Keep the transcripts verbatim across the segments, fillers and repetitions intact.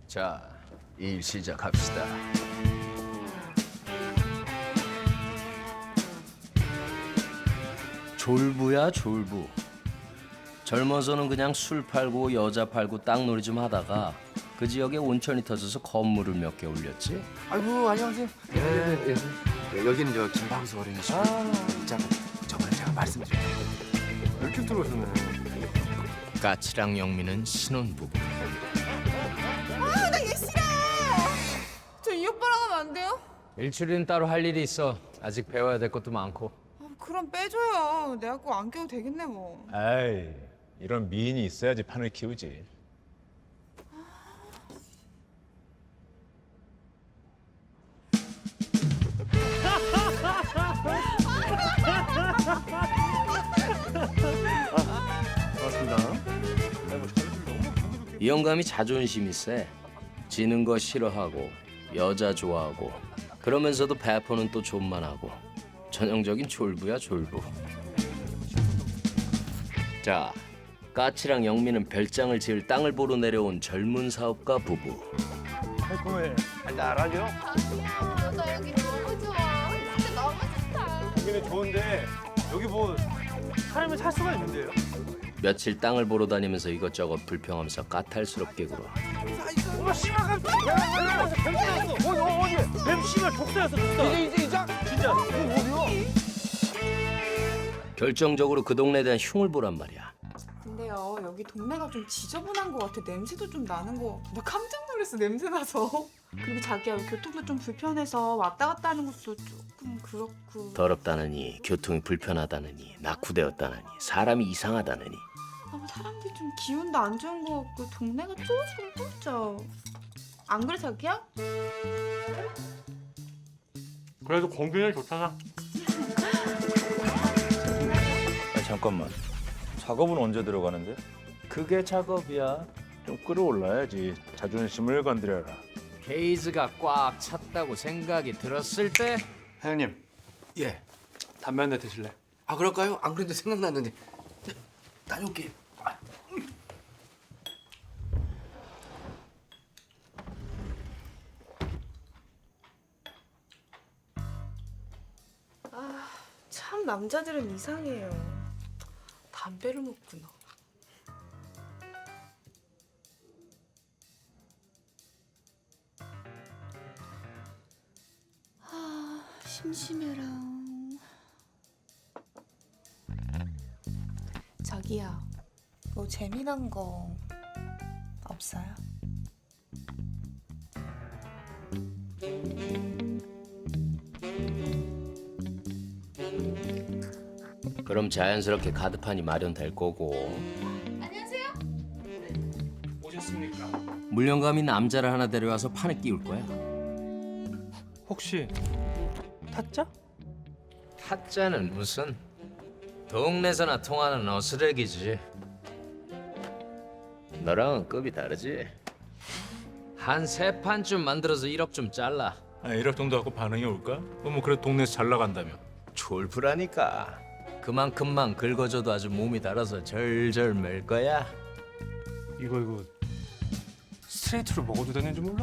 자, 일 시작합시다. 졸부야 졸부. 젊어서는 그냥 술 팔고 여자 팔고 땅놀이 좀 하다가 그 지역에 온천이 터져서 건물을 몇 개 올렸지. 아이고 안녕하세요. 예, 예. 예, 여기는 저 김방수 어린이집. 아, 자, 저번에 제가 말씀드렸죠. 이렇게 들어오셨네. 까치랑 영미는 신혼부부. 아, 나 얘 싫어. 저 이 오빠랑 하면 안 돼요? 일출이는 따로 할 일이 있어. 아직 배워야 될 것도 많고. 아, 그럼 빼줘요. 내가 꼭 안 껴도 되겠네 뭐. 아이, 이런 미인이 있어야지 판을 키우지. 이 영감이 자존심이 세. 지는 거 싫어하고 여자 좋아하고 그러면서도 배포는 또 존만하고 전형적인 졸부야 졸부. 자, 까치랑 영미는 별장을 지을 땅을 보러 내려온 젊은 사업가 부부. 달콤해. 달달하죠? 아, 나 여기 너무 좋아. 진짜 너무 좋다. 여기는 좋은데 여기 뭐 사람이 살 수가 있는데요? 며칠 땅을 보러 다니면서 이것저것 불평하면서 까탈스럽게 굴어. 엄마 씨발 뱀 뱀 어디 어디 뱀 씨발 독사였어 독사. 이제 이제 이제 진짜 이거 어디요? 결정적으로 그 동네에 대한 흉을 보란 말이야. 근데요, 여기 동네가 좀 지저분한 것 같아. 냄새도 좀 나는 거. 나 깜짝 놀랐어, 냄새 나서. 그리고 자기야, 교통도 좀 불편해서 왔다 갔다 하는 것도 조금 그렇고. 더럽다느니 교통이 불편하다느니 낙후되었다느니 사람이 이상하다느니. 아, 뭐 사람들이 좀 기운도 안 좋은 것 같고 동네가 쪼지금 좁죠. 안 그래, 자기야? 그래도 공기는 좋잖아. 아, 잠깐만. 작업은 언제 들어가는데? 그게 작업이야. 좀 끌어올라야지. 자존심을 건드려라. 케이즈가 꽉 찼다고 생각이 들었을 때 사장님. 예. 담배 한 대 드실래? 아 그럴까요? 안 그래도 생각났는데. 자, 다녀올게요. 참 남자들은 이상해요. 담배를 먹구나. 아, 심심해라. 자기야, 뭐 재미난 거 없어요? 그럼 자연스럽게 카드판이 마련될 거고. 안녕하세요. 오셨습니까? 물령감이 남자를 하나 데려와서 판에 끼울 거야. 혹시 타짜? 타짜는 무슨 동네에서나 통하는 어스레기지. 너랑은 급이 다르지. 한 세 판쯤 만들어서 일억 좀 잘라. 아, 일억 정도 갖고 반응이 올까? 뭐 그래도 동네에서 잘 나간다며. 졸부라니까. 그만큼만 긁어줘도 아주 몸이 달아서 절절 맬 거야. 이거 이거 스트레이트로 먹어도 되는지 몰라.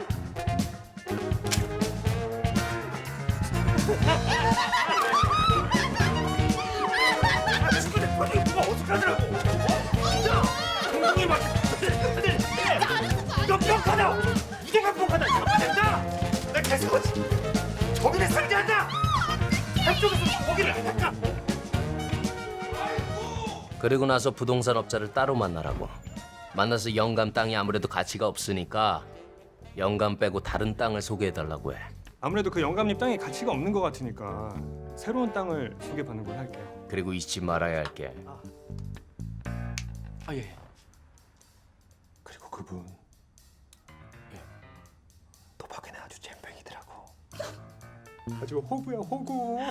그리고 나서 부동산 업자를 따로 만나라고. 만나서 영감 땅이 아무래도 가치가 없으니까 영감 빼고 다른 땅을 소개해달라고 해. 아무래도 그 영감님 땅에 가치가 없는 것 같으니까 새로운 땅을 소개받는 걸 할게요. 그리고 잊지 말아야 할 게 아 예. 그리고 그분 예. 도박에는 아주 잼병이더라고. 아주 호구야 호구.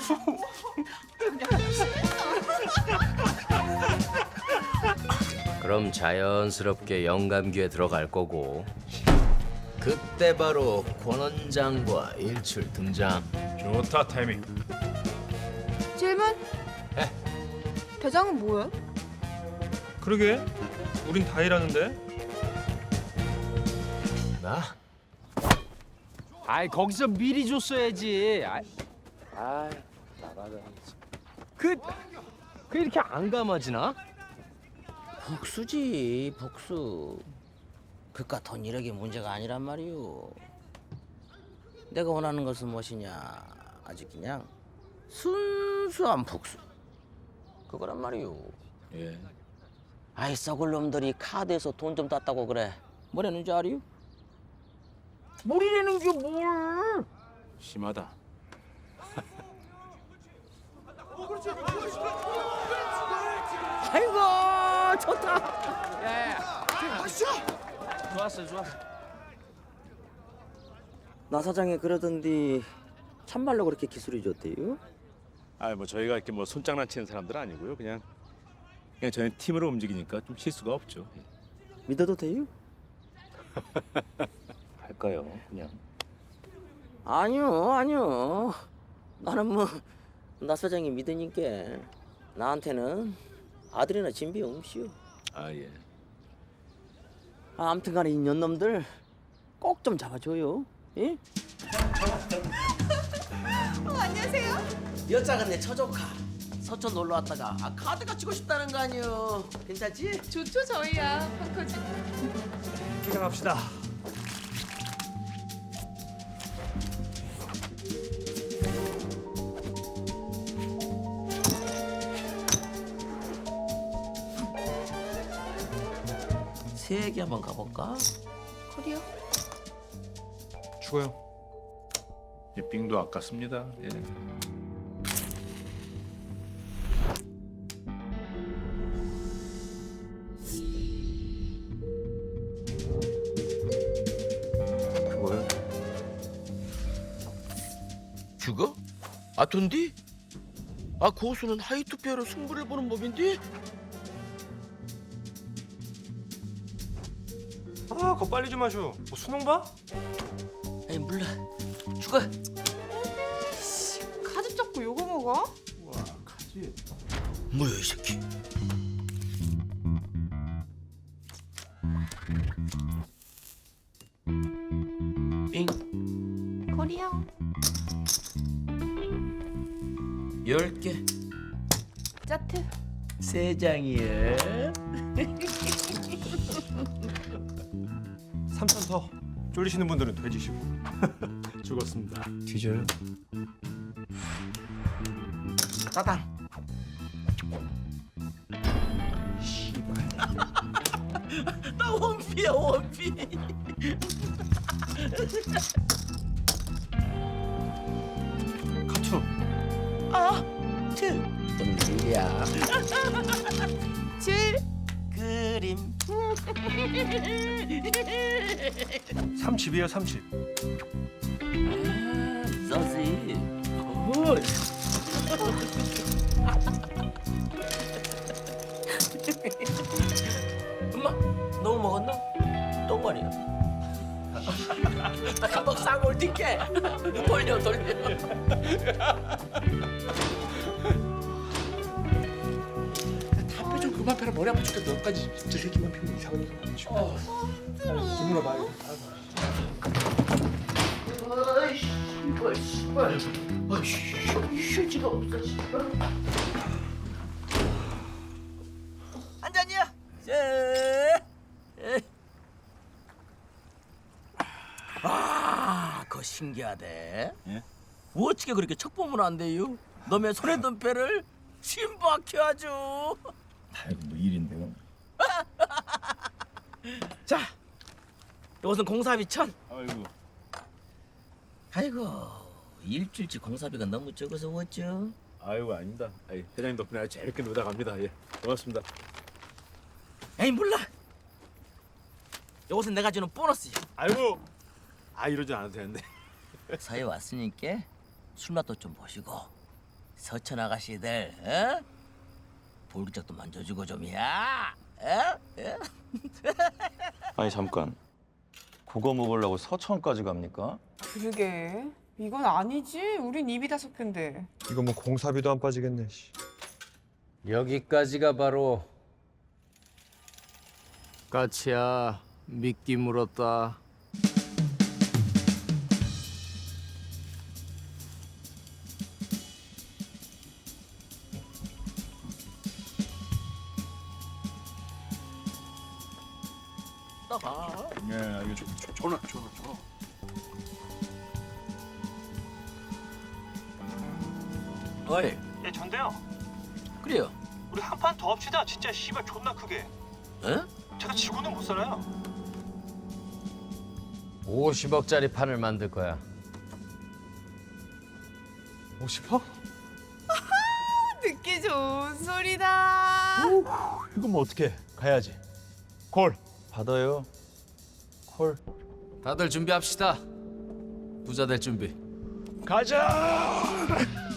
그럼 자연스럽게 영감 귀에 들어갈 거고 그때 바로 권 원장과 일출 등장. 좋다 타이밍. 질문? 에? 대장은 뭐야? 그러게 우린 다 일하는데. 있습니다. 아이 거기서 미리 줬어야지. 아이, 아이 나가자. 그, 그 이렇게 안 감아지나? 복수지 복수. 그깟 돈 일억이 문제가 아니란 말이오. 내가 원하는 것은 무엇이냐? 아직 그냥 순수한 복수. 그거란 말이오. 예. 아이 썩을 놈들이 카드에서 돈 좀 땄다고 그래. 뭐라는 줄 알이요? 뭘이라는 게 뭘? 심하다. 아이고 좋다. 좋았어, 좋았어. 나 사장이 그러던디 참말로 그렇게 기술이 좋대요? 아, 뭐 저희가 이렇게 뭐 손장난치는 사람들 아니고요. 그냥 그냥 저희 팀으로 움직이니까 좀 실수가 없죠. 믿어도 돼요? 할까요? 그냥. 아니요 아니요. 나는 뭐 나 사장이 믿으니까 나한테는 아들이나 진비 없이요. 아 예. 아, 아무튼간에 이 년놈들 꼭 좀 잡아줘요. 예? 어, 안녕하세요. 여자가 내 처조카 서촌 놀러 왔다가 아, 카드가 치고 싶다는 거 아니요. 괜찮지? 좋죠 저희야. 펑커지. 기강합시다. 세 얘기 한번 가볼까? 커리어. 죽어요. 이 빙도 아깝습니다. 예. 그거요? 죽어? 아 돈디? 아 고수는 하이투페어로 승부를 보는 법인데? 아, 그거 빨리 좀 하죠. 뭐 수능 봐? 에이 몰라. 죽어. 카드 잡고 요거 먹어? 뭐야 이 새끼. 빙. 커리어. 열 개. 짜트. 세 장이야. 삼천 더. 쫄리시는 분들은 돼지시고. 죽었습니다. 뒤져요? 따당. 나 원피야 원피. 카투. 아, 트. 똥일이야. 칠. 그림. 삼십이에요, 삼십. 서시. 굿. 엄마, 너무 먹었나? 똥말이야. 한번 쌍올 뛸게. 돌려 돌려. 담배 좀 그만 펴라. 머리 아파 죽겠다. 너까지 저 새끼만 피우면 이상한 거. 어. 눈물아 봐요. 아이씨, 이거 씨발. 아이씨, 휴지가 없어, 씨발. 한 잔이야. 예. 예. 아, 그거 신기하대. 예? 어떻게 그렇게 척 보면 안 돼요? 너의 손에 든 배를 신박해 아주. 아이고 뭐 일인데요. 자, 이것은 공사비 천. 아이고. 아이고, 일주일치 공사비가 너무 적어서 어쩌? 아이고 아닙니다. 아이, 회장님 덕분에 아주 재밌게 놀다 갑니다. 예. 고맙습니다. 에이 몰라. 이것은 내가 주는 보너스. 아이고. 아 이러지 않아도 되는데. 서해 왔으니까 술맛도 좀 보시고 서천 아가씨들, 어? 볼기짝도 만져주고 좀이야. 어? 어? 아니 잠깐. 그거 먹으려고 서천까지 갑니까? 그러게. 이건 아니지. 우린 입이 다섯 개인데. 이거 뭐 공사비도 안 빠지겠네. 씨. 여기까지가 바로 까치야 미끼 물었다. 갔다가. 예, 알겠죠. 전화, 전화, 전화. 어이, 예, 전데요. 그래요. 우리 한 판 더 합시다. 진짜 씨발 존나 크게. 에? 제가 지고는 못 살아요. 오십억짜리 판을 만들 거야. 오십억? 듣기 좋은 소리다. 이건 뭐 어떻게? 가야지. 콜. 받아요. 콜. 다들 준비합시다. 부자 될 준비. 가자.